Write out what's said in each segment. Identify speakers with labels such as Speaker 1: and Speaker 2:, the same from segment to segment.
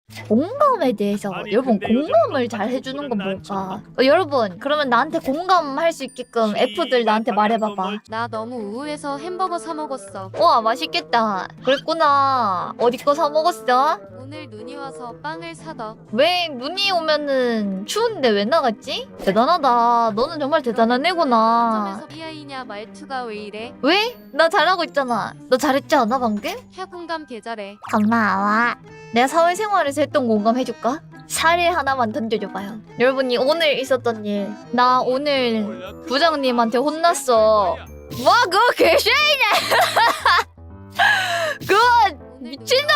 Speaker 1: 공감에 대해서
Speaker 2: 아니,
Speaker 1: 여러분
Speaker 2: 근데 요즘
Speaker 1: 공감을
Speaker 2: 너
Speaker 1: 잘 해주는 건
Speaker 2: 같은
Speaker 1: 뭘까? 여러분 그러면 나한테 공감할 수 있게끔 F들 나한테 말해봐봐.
Speaker 3: 나 너무 우울해서 햄버거 사 먹었어.
Speaker 1: 와 맛있겠다. 그랬구나. 어디 거 사 먹었어?
Speaker 3: 오늘 눈이 와서 빵을 사더.
Speaker 1: 왜 눈이 오면은 추운데 왜 나갔지? 대단하다. 너는 정말 대단한 애구나.
Speaker 3: 점에서 BI냐 말투가 왜 이래?
Speaker 1: 왜? 나 잘하고 있잖아. 너 잘했지 않아 방금?
Speaker 3: 혀공감 개잘해.
Speaker 1: 고마워. 내가 사회생활에서 했던 공감 해줄까? 사례 하나만 던져줘봐요. 여러분이 오늘 있었던 일. 나 오늘 부장님한테 혼났어. 와 그거 개쉐이네. 그거 미친놈!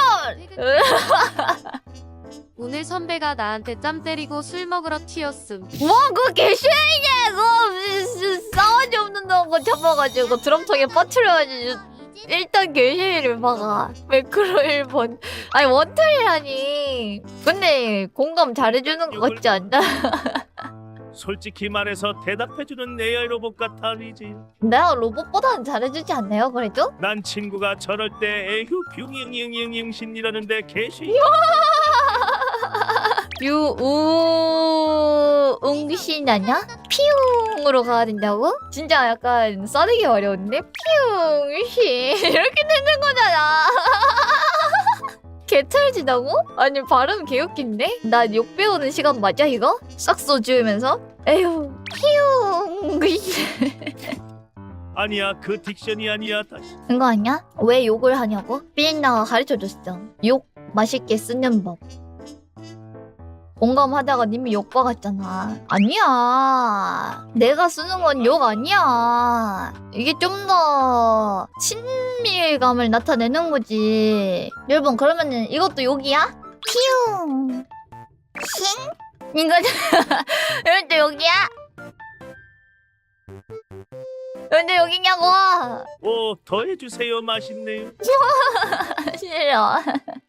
Speaker 3: 오늘 선배가 나한테 짬 때리고 술 먹으러 튀었음.
Speaker 1: 와 그거 개쉐이네. 그거 싸가지 없는 거 잡아가지고 드럼통에 빠뜨려가지고 일단 개쉐이를 박아. 매크로 1번. 아니 원툴이라니. 근데 공감 잘해주는 것 같지 않나?
Speaker 2: 솔직히 말해서 대답해주는 AI 로봇 같아 리지.
Speaker 1: 내가 로봇보다는 잘해주지 않나요 그래도?
Speaker 2: 난 친구가 저럴 때 에휴 뷰잉잉잉잉신이라는데 개시.
Speaker 1: 유우응신 아냐? 피웅으로 가야 된다고? 진짜 약간 써내기 어려운데? 피웅신 이렇게 되는 거잖아. 개찰지다고? 아니 발음 개웃긴데? 나 욕 배우는 시간 맞아 이거? 싹소 지으면서? 에휴 피웅신
Speaker 2: 아니야 그 딕션이 아니야 다시.
Speaker 1: 이거 아니야? 왜 욕을 하냐고? 삐엔나가 가르쳐줬어. 욕 맛있게 쓰는 법. 공감하다가 님이 욕 박았잖아. 아니야. 내가 쓰는 건 욕 아니야. 이게 좀 더 친밀감을 나타내는 거지. 여러분 그러면은 이것도 욕이야? 피웅 싱? 이거 이것도 욕이야? 근데 여기냐고.
Speaker 2: 오 더해주세요 맛있네요.
Speaker 1: 싫어.